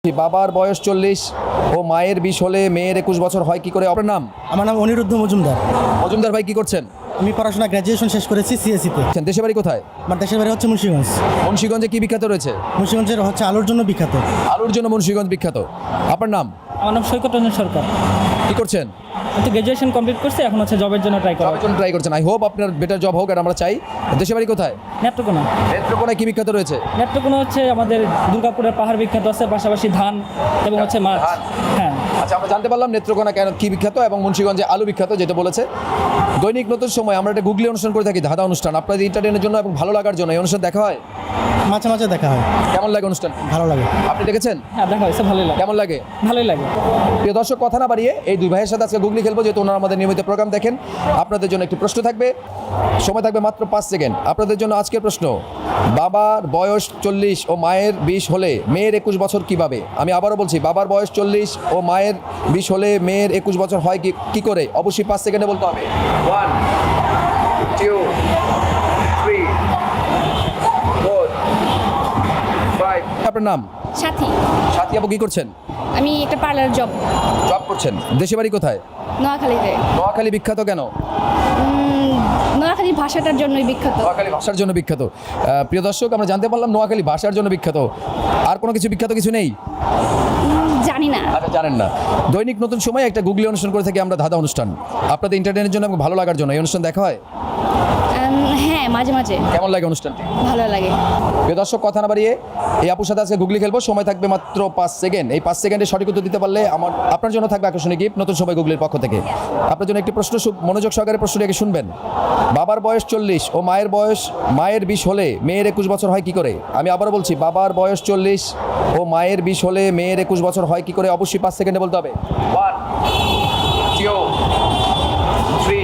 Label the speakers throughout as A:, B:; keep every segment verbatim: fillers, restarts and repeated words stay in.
A: বাবার বয়স চল্লিশ ও মায়ের বিশ হলে মেয়ের একুশ বছর হয় কি করে? আপনার নাম?
B: আমার নাম অনিরুদ্ধ মজুমদার।
A: মজুমদার ভাই কি করছেন?
B: আমি পড়াশোনা গ্র্যাজুয়েশন শেষ করেছি সিএসিতে।
A: দেশে বাড়ি কোথায়?
B: আমার দেশের বাড়ি হচ্ছে মুন্সিগঞ্জ।
A: মুন্সিগঞ্জে কি বিখ্যাত রয়েছে?
B: মুন্সিগঞ্জের হচ্ছে আলুর জন্য বিখ্যাত।
A: আলুর জন্য মুন্সিগঞ্জ বিখ্যাত। আপনার নাম?
C: আমার নাম সৈকত রঞ্জন সরকার।
A: কি করছেন?
C: আমি তো গ্র্যাজুয়েশন কমপ্লিট করছি, এখন হচ্ছে জবের জন্য ট্রাই করা।
A: জবের জন্য ট্রাই করছেন। আই হোপ আপনার বেটার জব হোক, আর আমরা চাই। দেশে বাড়ি কোথায়?
C: নেত্রকোনা।
A: নেত্রকোনায় কি বিখ্যাত রয়েছে?
C: নেত্রকোনা হচ্ছে আমাদের দুর্গাপুরের পাহাড় বিখ্যাত আছে, পাশাপাশি ধান এবং হচ্ছে মাছ।
A: ধান।
C: হ্যাঁ,
A: আচ্ছা, আমরা জানতে পারলাম নেত্রকোনা কেন কি বিখ্যাত এবং মুন্সিগঞ্জে আলু বিখ্যাত, যেটা বলেছে। দৈনিক নতুন সময় আমরা একটা গুগলি অনুষ্ঠান করে থাকি, ধাঁধা অনুষ্ঠান। আপনাদের এন্টারটেনের জন্য এবং ভালো লাগার জন্য এই অনুষ্ঠান দেখা হয়।
B: মাঝে মাঝে দেখা হয়।
A: কেমন লাগে অনুষ্ঠান?
B: ভালো লাগে।
A: আপনি দেখেছেন?
C: হ্যাঁ দেখা হয়েছে, ভালোই লাগে।
A: কেমন লাগে?
C: ভালোই লাগে।
A: প্রিয় দর্শক, কথা না বাড়িয়ে এই দুই ভাইয়ের সাথে আজকে গুগলি খেলবো, যেহেতু ওনারা আমাদের নিয়মিত প্রোগ্রাম দেখেন। আপনাদের জন্য একটি প্রশ্ন থাকবে, সময় থাকবে মাত্র পাঁচ সেকেন্ড। আপনাদের জন্য আজকের প্রশ্ন: বাবার বয়স চল্লিশ ও মায়ের বিশ হলে মেয়ের একুশ বছর কিভাবে? আমি আবারও বলছি, বাবার বয়স চল্লিশ ও মায়ের বিশ হলে মেয়ের একুশ বছর হয় কি কি করে? অবশ্যই পাঁচ সেকেন্ডে বলতে হবে। One, two, three, four, five. আপনার নাম?
D: সাথী।
A: সাথী আপু কি করছেন?
D: আমি একটা পার্লার জব।
A: জব করছেন। দেশে বাড়ি কোথায়?
D: নোয়াখালীতে।
A: নোয়াখালী বিখ্যাত কেন?
D: উম, নোয়াখালীর ভাষাটার জন্যই বিখ্যাত।
A: নোয়াখালী ভাষার জন্য বিখ্যাত। আহ, প্রিয় দর্শক, আমরা জানতে পারলাম নোয়াখালী ভাষার জন্য বিখ্যাত। আর কোনো কিছু বিখ্যাত কিছু নেই?
D: উম, জানি না।
A: আচ্ছা, জানেন না। দৈনিক নতুন সময় একটা গুগলি অনুষ্ঠান করে থাকি আমরা, ধাঁধা অনুষ্ঠান। আপনাদের এন্টারটেনের জন্য এবং ভালো লাগার জন্য এই অনুষ্ঠান দেখা হয়।
D: উম, হ্যাঁ, মাঝে মাঝে
A: কেমন লাগে অনুষ্ঠানটি?
D: ভালো লাগে।
A: প্রিয় দর্শক, কথা না বাড়িয়ে এই আপুর সাথে আজকে গুগলি খেলবো। সময় থাকবে মাত্র পাঁচ সেকেন্ড। এই পাঁচ সেকেন্ডে সঠিক উত্তর দিতে পারলে আমার আপনার জন্য থাকবে আকর্ষণীয় গিফট নতুন সময় গুগলির পক্ষ থেকে। আপনার জন্য একটি প্রশ্ন, সু- মনোযোগ সহকারে প্রশ্নটিকে শুনবেন। বাবার বয়স চল্লিশ ও মায়ের বয়স মায়ের বিশ হলে মেয়ের একুশ বছর হয় কি করে? আমি আবারও বলছি, বাবার বয়স চল্লিশ ও মায়ের বিশ হলে মেয়ের একুশ বছর হয় কি করে? অবশ্যই পাঁচ সেকেন্ডে বলতে হবে। ওয়ান, টু, থ্রি,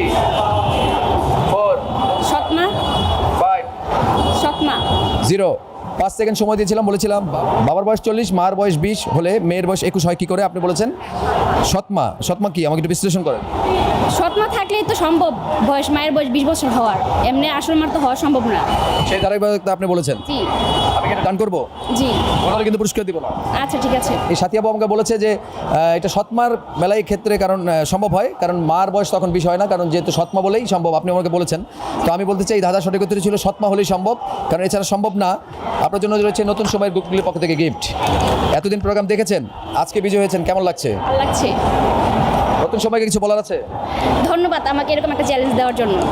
A: ফোর,
D: সৎমা।
A: ফাইভ,
D: সৎমা।
A: জিরো। পাঁচ সেকেন্ড সময় দিয়েছিলাম, বলেছিলাম বা- বাবার বয়স চল্লিশ, মার বয়স বিশ হলে মেয়ের বয়স একুশ হয় কি করে? আপনি বলেছেন সৎমা। সৎমা কি, আমাকে একটু বিশ্লেষণ করেন।
D: সৎমা থাকলেই তো সম্ভব বয়স মায়ের বয়স বিশ বছর হওয়ার। এমনি আসল মার তো হওয়া সম্ভব না।
A: সেই ধারাবাহিকতা আপনি বলেছেন।
D: জি
A: আমি কি এটা ডান করবো?
D: জি।
A: ওনারা কিন্তু পুরস্কার দিব না।
D: আচ্ছা ঠিক আছে।
A: এই সাথী আপু আমাকে বলেছে যে আহ, এটা সৎমার বেলায় ক্ষেত্রে কারণ আহ, সম্ভব হয়, কারণ মার বয়স তখন বিষ হয় না, কারণ যেহেতু সৎমা বলেই সম্ভব। আপনি আমাকে বলেছেন, তো আমি বলতে চাই ধাঁধা সঠিক উত্তর ছিল সৎমা হলেই সম্ভব, কারণ এছাড়া সম্ভব না। আপনার জন্য রয়েছে নতুন সময়ের গুগলির পক্ষ থেকে গিফট। এতদিন প্রোগ্রাম দেখেছেন, আজকে বিজয় হয়েছেন, কেমন লাগছে?
D: ভালো লাগছে।
A: নতুন সময়কে কিছু বলার আছে?
D: ধন্যবাদ আমাকে এরকম একটা চ্যালেঞ্জ দেওয়ার জন্য।